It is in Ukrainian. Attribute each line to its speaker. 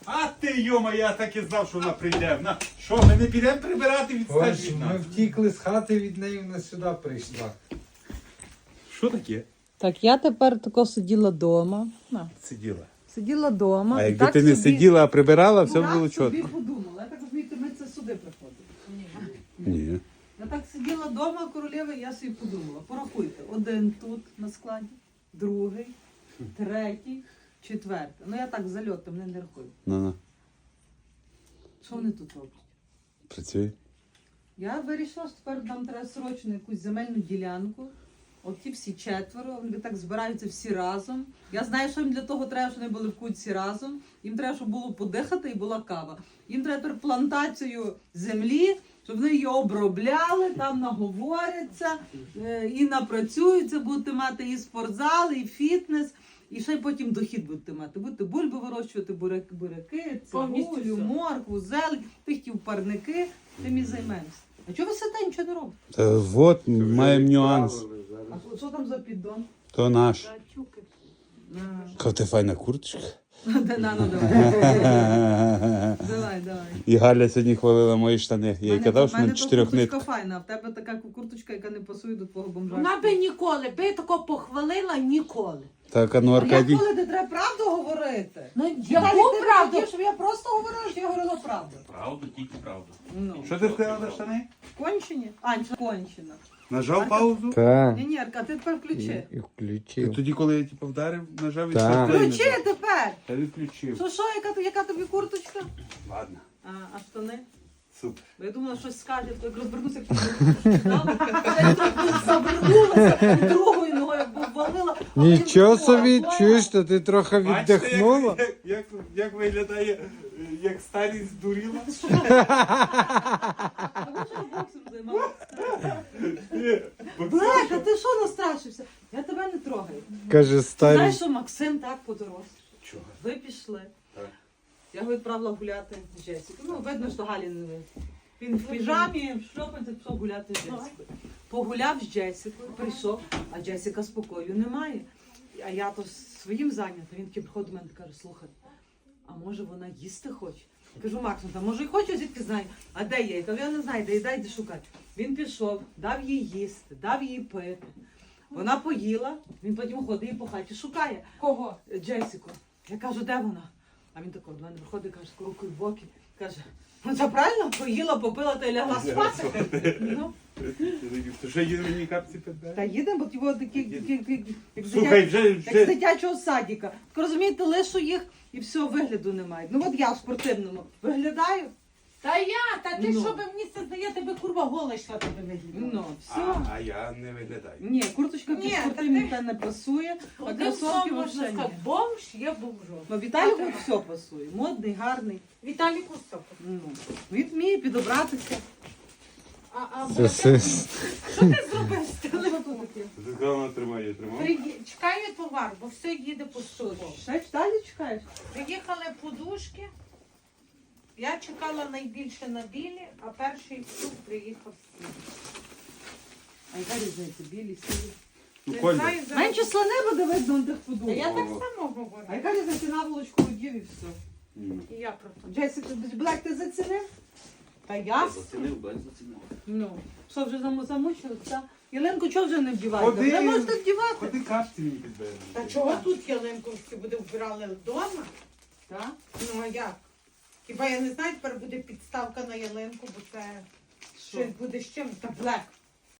Speaker 1: А ти, йома, я так і знав, що вона прийде. Що, ми не підемо прибирати від
Speaker 2: Ось, ми втікли з хати від неї, вона сюди прийшла.
Speaker 1: Що таке?
Speaker 3: Так, я тепер тако сиділа вдома.
Speaker 1: Сиділа.
Speaker 3: Сиділа вдома.
Speaker 1: А якби ти не сиділа, а прибирала, все було
Speaker 3: собі
Speaker 1: чітко.
Speaker 3: подумала. Я так розумію, ми це сюди приходили.
Speaker 1: Ні.
Speaker 3: Я так сиділа вдома, королева, і я собі подумала. Порахуйте. Один тут на складі, другий, третій, четвертий. Ну я так зальотом не рахую.
Speaker 1: Ну-ну.
Speaker 3: Що вони тут роблять?
Speaker 1: Працює.
Speaker 3: Я вирішила, що тепер нам треба срочно якусь земельну ділянку. От ті всі четверо, вони так збираються всі разом. Я знаю, що їм для того треба, щоб вони були в кутці разом. Їм треба, щоб було подихати і була кава. Їм треба тепер плантацію землі, щоб вони її обробляли, там наговоряться і напрацюються, будете мати і спортзал, і фітнес, і ще й потім дохід будете мати. Будете бульби вирощувати, буряки, цибулю, моркву, зелень, пихтів парники, тим і займемося. А чого ви сидите, нічого не робите?
Speaker 1: Та от, маємо нюанс.
Speaker 3: А що там за піддон?
Speaker 1: То наш. Яка ти файна курточка.
Speaker 3: Давай.
Speaker 1: І Галя сьогодні хвалила мої штани. Я їй казав, що
Speaker 3: в
Speaker 1: на
Speaker 3: мене
Speaker 1: 4
Speaker 3: курточка
Speaker 1: нитках.
Speaker 3: файна, а в тебе така курточка, яка не пасує до твого бомжа.
Speaker 4: Вона би ніколи, би тако похвалила ніколи.
Speaker 1: Так, а ну
Speaker 3: А як
Speaker 1: Аркадій.
Speaker 3: коли не треба правду говорити?
Speaker 4: Ну,
Speaker 3: Віталій,
Speaker 4: яку
Speaker 3: ти
Speaker 4: правду?
Speaker 3: хотів, щоб я просто говорила, що я говорила правду.
Speaker 5: Правду, тільки правду.
Speaker 3: Ну.
Speaker 1: Що ти сказала за штани?
Speaker 3: Кончені? Анча, кончена.
Speaker 1: Нажав паузу?
Speaker 2: Так.
Speaker 3: Ні, Арка, ти тепер включи.
Speaker 2: І включив.
Speaker 1: Тоді, коли я типу вдарив, нажав і
Speaker 2: Так.
Speaker 1: все.
Speaker 3: Включи тепер!
Speaker 1: Та відключив.
Speaker 3: Що, яка тобі курточка?
Speaker 1: Ладно,
Speaker 3: А штани?
Speaker 1: супер.
Speaker 3: Бо я думала, щось скаже, то як розвернуся, як завернулася, другою ногою обвалила.
Speaker 2: Нічого собі, чуєш, то ти трохи
Speaker 1: Бачите,
Speaker 2: віддихнула?
Speaker 1: як виглядає, як старість здуріла?
Speaker 3: А ви що боксом займалися? Блек, а ти що настрашився? Я тебе не трогаю.
Speaker 2: Каже,
Speaker 3: Ти
Speaker 2: старі.
Speaker 3: знаєш, що Максим так подорожчав?
Speaker 1: Чого?
Speaker 3: Ви пішли.
Speaker 1: Так.
Speaker 3: Я його відправила гуляти з Джесікою. Ну, видно, що Галі не видно. Він в піжамі, в шльопанці пішов гуляти з Джесікою. Погуляв з Джесікою, прийшов, а Джесіка спокою немає. А я то своїм зайнята. Він такий приходить до мене і каже, слухай, а може вона їсти хоче? Кажу, Максим, та може і хоче, звідки знаю. А де є? Я кажу, я не знаю, де їда, йди шукати. Він пішов, дав їй їсти, дав їй пити. Вона поїла, він потім ходить і по хаті шукає.
Speaker 4: Кого?
Speaker 3: Джесіку. Я кажу, де вона? А він тако до мене виходить, каже, з рукою в боки. Каже, ну це правильно, поїла, попила та й лягла спати. Ну,
Speaker 1: То що їде мені капці підбере?
Speaker 3: та їдемо, бо ті от такі, як з
Speaker 1: Слухай,
Speaker 3: як з
Speaker 1: вже
Speaker 3: дитячого садика. Так розумієте, лишу їх і все, вигляду немає. Ну от я в спортивному виглядаю,
Speaker 4: Та ти
Speaker 3: Ну.
Speaker 4: що би мені це здає, тебе курва гола йшла тебе виглядала.
Speaker 3: ну, все.
Speaker 1: а я не виглядаю.
Speaker 3: Ні, курточка під
Speaker 4: Ні,
Speaker 3: спортивні
Speaker 4: та
Speaker 3: та не пасує, а
Speaker 4: Одним
Speaker 3: кросовки
Speaker 4: словом можна
Speaker 3: взагалі ні.
Speaker 4: сказати, бомж є бомжом.
Speaker 3: Ну, Віталіку все пасує. Модний, гарний.
Speaker 4: Віталій Кустов.
Speaker 3: Ну, він вміє підобратися.
Speaker 4: А
Speaker 2: Це
Speaker 4: Бодя,
Speaker 2: все.
Speaker 4: що ти зробив з тим?
Speaker 3: Що тут таке?
Speaker 1: Ти сказала, вона тримає, я тримав?
Speaker 4: Чекаю товар, бо все їде по суду.
Speaker 3: Ще далі чекаєш?
Speaker 4: Приїхали подушки. Я чекала найбільше на білі, а перший флюк приїхав сіль.
Speaker 3: А яка різниця? Білі, сірі?
Speaker 1: Ну,
Speaker 4: Не
Speaker 1: Коля,
Speaker 4: знаю, зараз-
Speaker 3: Менше слони буде видно на тих
Speaker 4: Та
Speaker 3: подумав.
Speaker 4: я так само говорю.
Speaker 3: А яка різниця наволочку одів і все?
Speaker 4: І я про то.
Speaker 3: Джесік, Блек, ти зацінив? Та я?
Speaker 5: Зацінив, Блек зацінив.
Speaker 3: Ну, що вже замучилися? Ялинку чого вже не вдіваєте?
Speaker 1: Ходи.
Speaker 3: Вже можете вдівати.
Speaker 1: ходи капці мені підбере.
Speaker 4: Та чого тут ялинковські буде вбирали вдома?
Speaker 3: Так?
Speaker 4: Ну а як? Хіба я не знаю, тепер буде підставка на ялинку, бо це
Speaker 3: Що?
Speaker 4: щось буде з чим. Та Блек,